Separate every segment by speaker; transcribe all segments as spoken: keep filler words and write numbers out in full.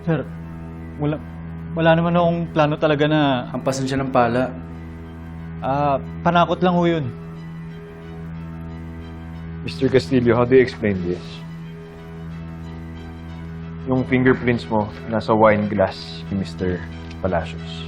Speaker 1: Sir, wala, wala naman akong plano talaga na
Speaker 2: Hampasan siya ng pala.
Speaker 1: ah, panakot lang ho yun.
Speaker 3: Mister Castillo, how do you explain this? Yung fingerprints mo nasa wine glass ni Mister Palacios.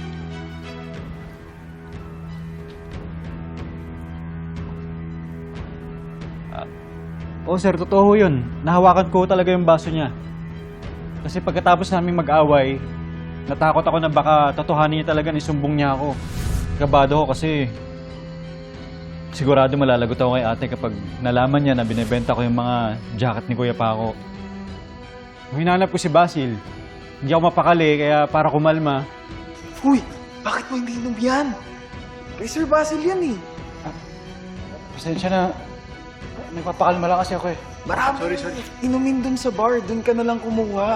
Speaker 1: Oo sir, totoo ho yun. Nahawakan ko talaga yung baso niya. Kasi pagkatapos namin mag-away, natakot ako na baka totohanin niya talaga na isumbong niya ako. Kabado ko kasi sigurado malalagot ako kay ate kapag nalaman niya na binebenta ko yung mga jacket ni Kuya Paco. Nung hinanap ko si Basil, hindi ako mapakali kaya para kumalma.
Speaker 4: Uy, bakit mo hindi inom yan? Kay Sir Basil yan eh.
Speaker 1: Pasensya na, nagpapakalma lang kasi ako eh.
Speaker 4: Marami sorry, sorry. Inumin dun sa bar, dun ka na lang kumuha.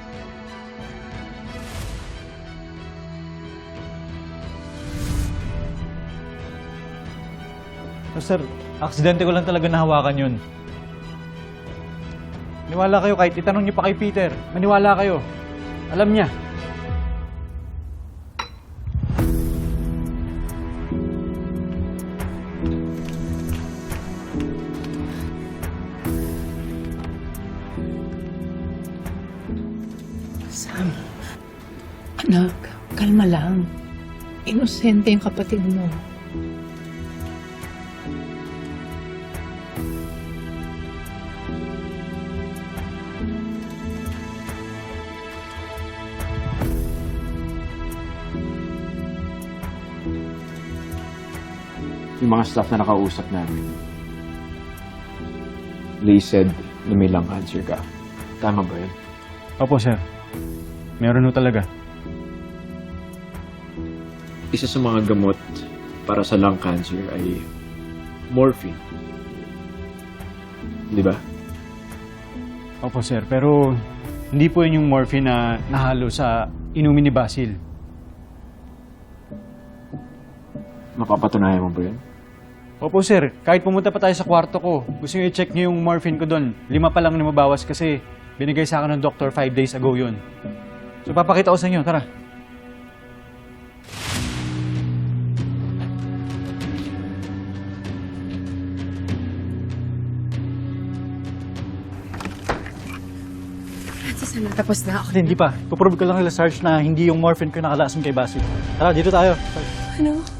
Speaker 1: So, sir, aksidente ko lang talaga nahawakan yun. Maniwala kayo kahit itanong niyo pa kay Peter. Maniwala kayo. Alam niya.
Speaker 5: Sam, anak, kalma lang. Inosente yung kapatid mo.
Speaker 3: Yung mga staff na nakausap namin, they said na may lung cancer ka. Tama ba yun?
Speaker 1: Opo, sir. Meron ho talaga.
Speaker 3: Isa sa mga gamot para sa lung cancer ay morphine. Di ba?
Speaker 1: Opo, sir. Pero hindi po yun yung morphine na nahalo sa inumin ni Basil.
Speaker 3: Mapapatunayan mo ba yun?
Speaker 1: Opo, sir. Kahit pumunta pa tayo sa kwarto ko, gusto nyo i-check nyo yung morphine ko doon. Lima pa lang na mabawas kasi binigay sa akin ng doctor five days ago yun. So, papakita ko sa inyo. Tara.
Speaker 5: Francis, ano, tapos na ako.
Speaker 1: Hindi pa. Puprove ko lang nila, Sarge, na hindi yung morphine ko nakalason kay Basil. Tara, dito tayo.
Speaker 5: Ano?